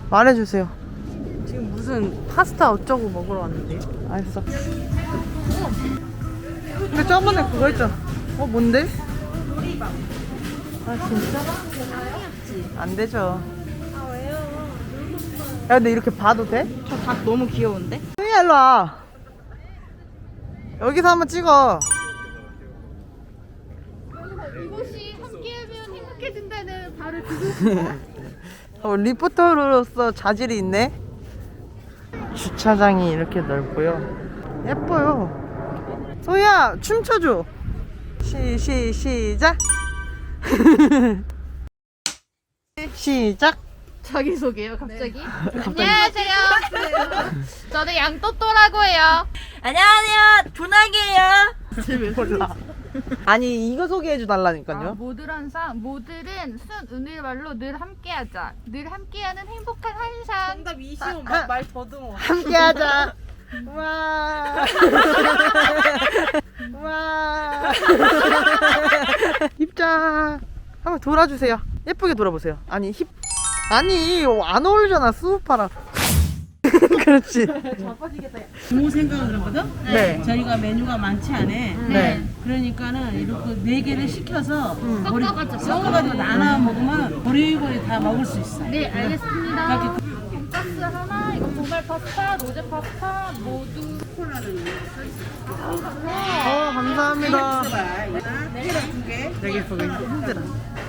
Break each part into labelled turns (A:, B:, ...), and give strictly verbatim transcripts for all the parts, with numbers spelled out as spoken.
A: 말해주세요.
B: 지금 무슨 파스타 어쩌고 먹으러 왔는데.
A: 알았어. 근데 저번에 그거 있잖아. 어 뭔데?
B: 요리방.
A: 아 진짜? 안 되죠.
B: 아 왜요?
A: 야 근데 이렇게 봐도 돼?
B: 저 닭 너무 귀여운데?
A: 승희야 일로 와. 여기서 한번 찍어.
C: 이곳이 함께하면 행복해진다는 바로 그곳.
A: 어, 리포터로서 자질이 있네. 주차장이 이렇게 넓고요. 예뻐요. 소희야 춤춰줘. 시, 시, 시작. 시작.
C: 자기소개요 갑자기. 안녕하세요. 저는 양또또라고 해요.
D: 안녕하세요, 분학이에요.
A: 몰라. 아니 이거 소개해줘
C: 아,
A: 달라니까요.
C: 모들한 상 모들은 순 은일말로 늘 함께하자. 늘 함께하는 행복한 한상.
B: 정답 이시오. 말 더듬어.
A: 함께하자. 와. 와. 입장. 한번 돌아주세요. 예쁘게 돌아보세요. 아니 힙. 아니 안 어울리잖아 수우파랑. 그렇지.
E: 부모 생각을 하거든?
A: 네.
E: 저희가 메뉴가 많지 않아.
A: 네.
E: 그러니까는 이렇게 네 개를 시켜서
C: 섞어가지고.
E: 섞어가지고 나눠 먹으면 고리고리 다 먹을 수 있어.
C: 네 알겠습니다.
E: 이렇게
C: 돈가스 하나, 이거 보말 파스타, 로제 파스타 모두.
A: 어 감사합니다.
E: 계란 두 개.
A: 되게 보기 힘들어.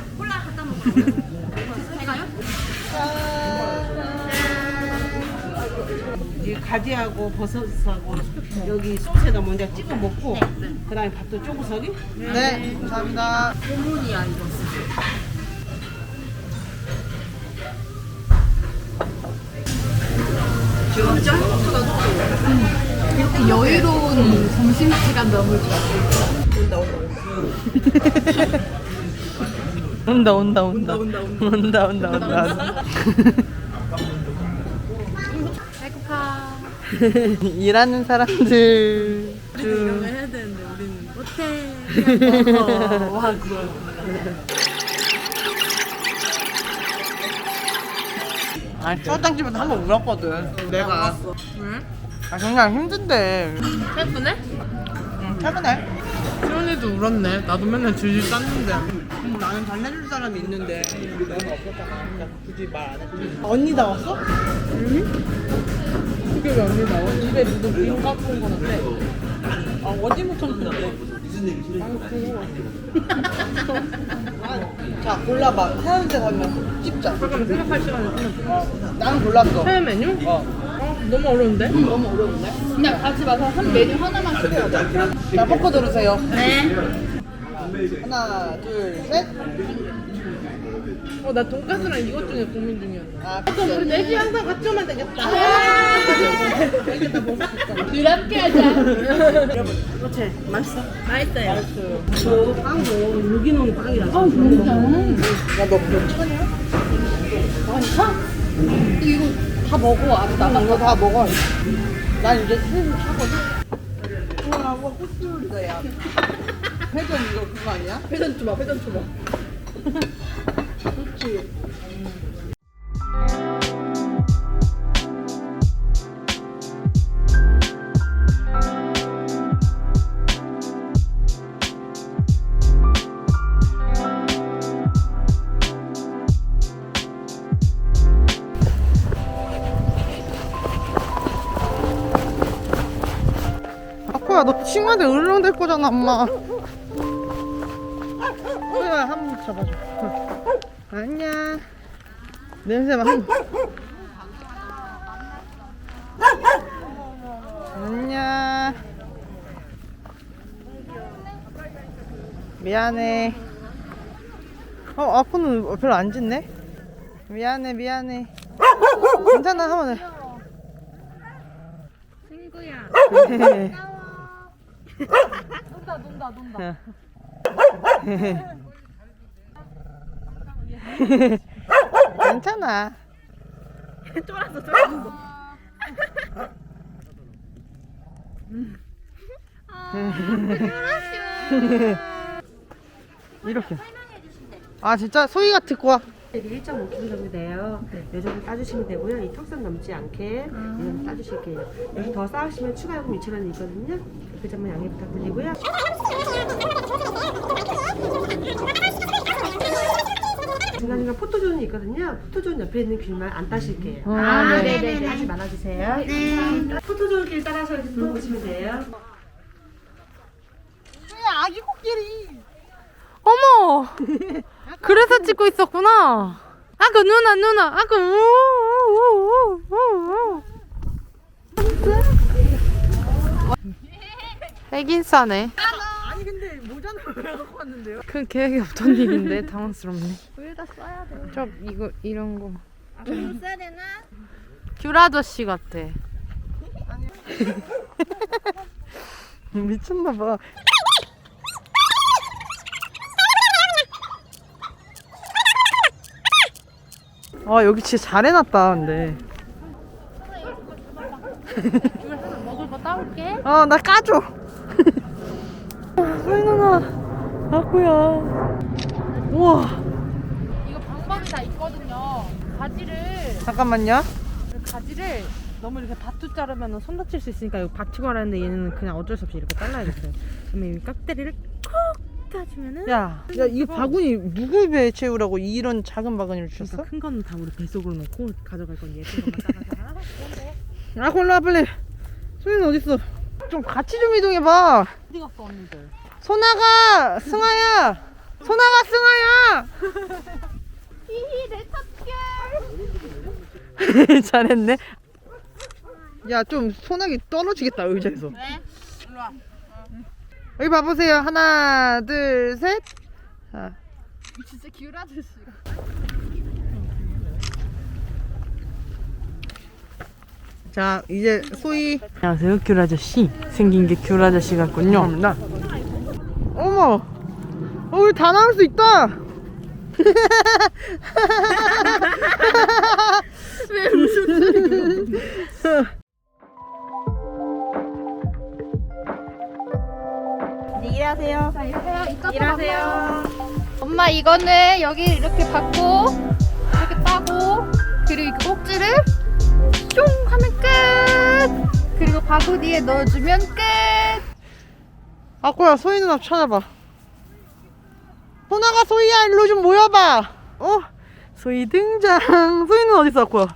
E: 이 가지하고 버섯하고 여기 소스에다 먼저 찍어 먹고 그다음에 밥도 쪼구석이.
A: 네 감사합니다.
C: 이렇게 여유로운 점심시간 너무 좋아.
A: 온다 온다 온다 온다 온다 온다 온다.
C: 배고파.
A: 일하는 사람들 중
E: 해야 되는데 우리는 못해.
A: 와 그거. 아니 초장집에도 한번 울었거든 내가.
B: 왜?
A: 아 그냥 힘든데.
B: 예쁘네?
A: 응 최근에.
B: 수연이도 울었네. 나도 맨날 줄줄 쌌는데.
A: 음, 나는 달래줄 사람이 있는데 너는 없었잖아. 그러니까 굳이 말 안 했지. 언니 나왔어?
B: 그게 왜 언니 나와? 입에 누구 빈 까먹은 거 같아.
A: 아 어디부터 는데 무슨 얘기지? 아, 자 골라봐. 하얀색 하면 찍자.
B: 잠깐만 생각할 시간이 없네.
A: 어, 나는 골랐어.
B: 해외 메뉴?
A: 어.
B: 어, 너무 어려운데?
A: 너무 어려운데?
C: 그냥 가지 마서 한 메뉴 하나만 시켜요.
A: 자 포커 들으세요.
C: 네.
A: 하나 둘 셋.
B: 어, 나 돈까스랑 이것 중에 고민 중이었어.
A: 아
B: 그럼 우리 넷이 항상 같이 오면 되겠다.
C: 늘 함께하자.
E: 그렇지. 맛있어.
B: 맛있어요.
E: 저 빵도 유기농 빵이라서.
C: 아 진짜.
A: 야너 그거 차냐?
C: 이거 다 먹어. 아직
A: 나
C: 남았어.
A: 이거 다 먹어. 난 이제 슬슬 차거든. 우와 뭐 코스 이거야. 회전 이거 그거 아니야?
B: 회전 줘봐, 회전 줘봐.
A: 그렇지. 아코야 너 친구한테 으르렁댈 거잖아 엄마. 소희야 한번 잡아줘. 안녕. 냄새 맡고. 안녕. 미안해. 어 아코는 별로 안 짖네. 미안해 미안해. 괜찮아 한번 해.
C: 친구야.
A: 네.
C: 논다 논다 논다.
A: 괜찮아.
B: 쫄았어, 쫄았어.
A: 이렇게. 아 진짜 소희가 듣고 와.
E: 이게 일 점 오 킬로그램 정도 돼요. 이 정도 따주시면 되고요. 이 턱선 넘지 않게 이런 거 따주실게요. 여기 더 쌓으시면 추가 요금 이천 원이 있거든요. 그 점만 양해 부탁드리고요. 중간중간 포토존이 있거든요. 포토존 옆에 있는 길만 안 따실게요.
A: 아,
E: 네네네. 하지 말아주세요. 네. 포토존 길 따라서 이렇게 들어보시면 돼요.
A: 아기 코끼리. 어머. 그래서 찍고 있었구나. 아그 누나 누나 아그 우우우우우우. 애긴 싸네. 아니 근데 모자는 왜 갖고 왔는데요? 그 계획이 없던 일인데 당황스럽네.
C: 왜 다 써야 돼?
A: 저 이거 이런 거.
C: 아, 좀 써야 되나?
A: 귤 아저씨 같아. 미쳤나 봐. 아 여기 진짜 잘 해놨다 근데.
C: 귤 하나 먹을 거 따올게.
A: 어 나 까줘. 소희 누나 아구야. 우와.
C: 이거 방법이 다 있거든요. 가지를
A: 잠깐만요.
B: 가지를 너무 이렇게 밭투 자르면 손 다칠 수 있으니까 이거 받치고 하라는데 얘는 그냥 어쩔 수 없이 이렇게 잘라야겠어요. 그러면 이 깍대리를 콕 따주면은
A: 야, 야 이거 바구니 누구 입에 채우라고 이런 작은 바구니를 주셨어?
B: 그러니까 큰 거는 다 우리 뱃속으로 넣고 가져갈 건 예쁜 것만 따라서
A: 아 골라 빨리. 소희는 어딨어? 좀 같이 좀 이동해봐.
B: 어디 갔어 언니들?
A: 소나가 승아야. 소나가 승아야.
C: 히히 내 탑결.
A: 잘했네. 야 좀 소나기 떨어지겠다 의자에서.
C: 왜? 일로 와.
A: 여기 봐보세요. 하나 둘 셋. 자.
C: 진짜 귤 아저씨가.
A: 자 이제 소희.
B: 안녕하세요 귤 아저씨. 생긴 게 귤 아저씨 같군요.
A: 감사합니다. 어머, 어, 우리 다 나올 수 있다. 왜 무슨
D: 이제 일하세요.
C: 자 이러세요. 이쪽
D: 일하세요.
C: 엄마 이거는 여기 이렇게 받고 이렇게 따고 그리고 이 꼭지를 쫑 하면 끝. 그리고 바구니에 넣어주면 끝.
A: 아꼬야 소희 누나 찾아봐. 소나가 소희야 일로 좀 모여봐. 어? 소희 등장. 소희는 어딨어 아꼬야?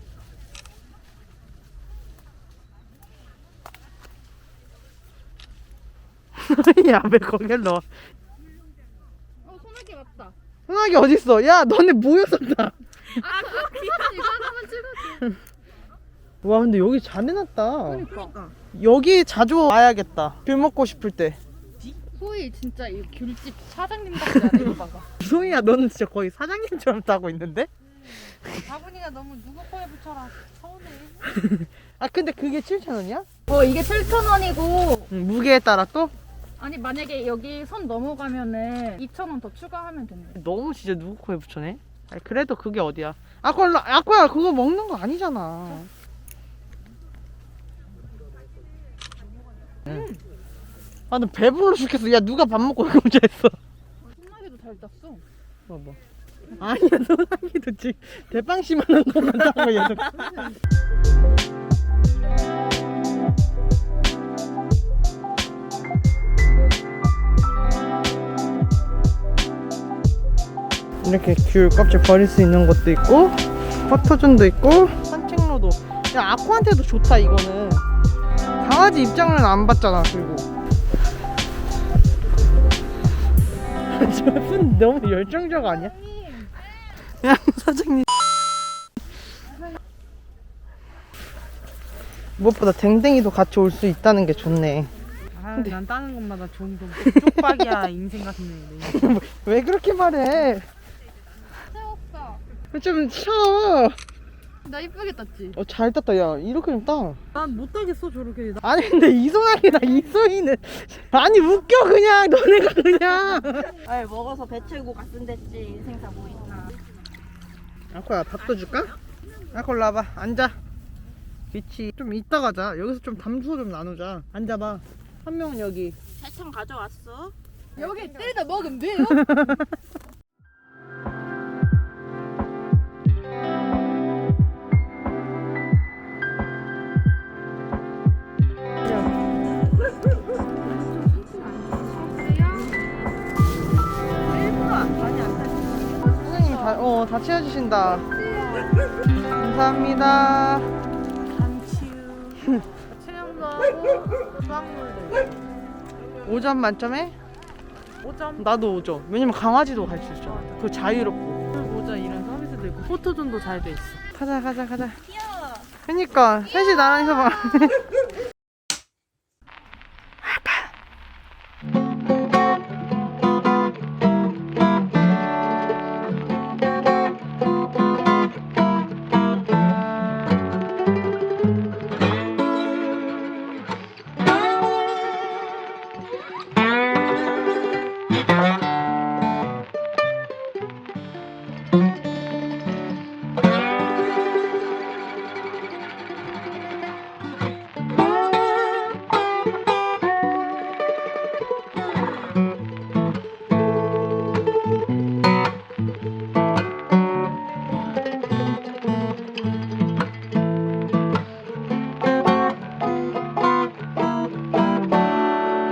A: 소희야 왜 거길 넣어?
C: 어 소나기 맞다.
A: 소나기 어딨어? 야 너네 모였었다.
C: 아 그렇게 이거 하나만 찍어줘.
A: 와 근데 여기 잘 해놨다.
C: 그러니까.
A: 여기 자주 와야겠다. 귤 먹고 싶을 때.
C: 소희 진짜 이 귤집 사장님 같지 않아? 이거 봐봐.
A: 소희야 너는 진짜 거의 사장님처럼 따고 있는데?
B: 바구니가 너무 누구 거에 붙여라. 서운해.
A: 아 근데 그게 칠천 원이야?
C: 어 이게 칠천 원이고
A: 응, 무게에 따라 또?
C: 아니 만약에 여기 선 넘어가면은 이천 원 더 추가하면 된대.
A: 너무 진짜 누구 코에 붙여네? 아니 그래도 그게 어디야? 아꼬야 아꼬야 그거 먹는 거 아니잖아. 응. 아 나 배불러 죽겠어. 야 누가 밥 먹고 이거 혼자 했어?
C: 소나기도 잘 땄어.
A: 봐봐. 아니야 소나기도 지금 대빵씨만한 것만 따고 계속. 이렇게 귤 껍질 버릴 수 있는 것도 있고 포토존도 있고 산책로도. 야 아코한테도 좋다 이거는. 강아지 입장은 안 받잖아. 그리고 저분 너무 열정적 아니야? 야 사장님 무엇보다 댕댕이도 같이 올 수 있다는 게 좋네.
B: 아, 난 따는 것마다 좋은 거. 쪽박이야 인생 같은 애.
A: 왜 그렇게 말해?
C: 세웠어.
A: 좀 쉬어.
C: 나 이쁘게 땄지?
A: 어, 잘 땄다. 야 이렇게 좀 따.
B: 난 못 따겠어 저렇게.
A: 아니 근데 이소나기나 이소희는 아니 웃겨 그냥 너네가 그냥.
D: 아이 먹어서 배 채우고 갔으면 됐지. 인생사 뭐 있나.
A: 아코야 밥도 줄까? 아코 일로 와봐. 앉아. 그치. 좀 이따 가자. 여기서 좀 담소 좀 나누자. 앉아봐. 한 명은 여기.
D: 세참 가져왔어?
C: 여기 때리다 먹으면 돼요?
A: 어, 다 채워주신다. 감사합니다.
B: 체험도 하고 수학물도 있고.
A: 오 점 만점에?
B: 오 점.
A: 나도 오 점. 왜냐면 강아지도 갈 수 있잖아. 그 자유롭고.
B: 모자 이런 서비스도 있고 포토존도 잘 돼 있어.
A: 가자, 가자, 가자. 귀여워. 그니까, 셋이 나란히 서봐.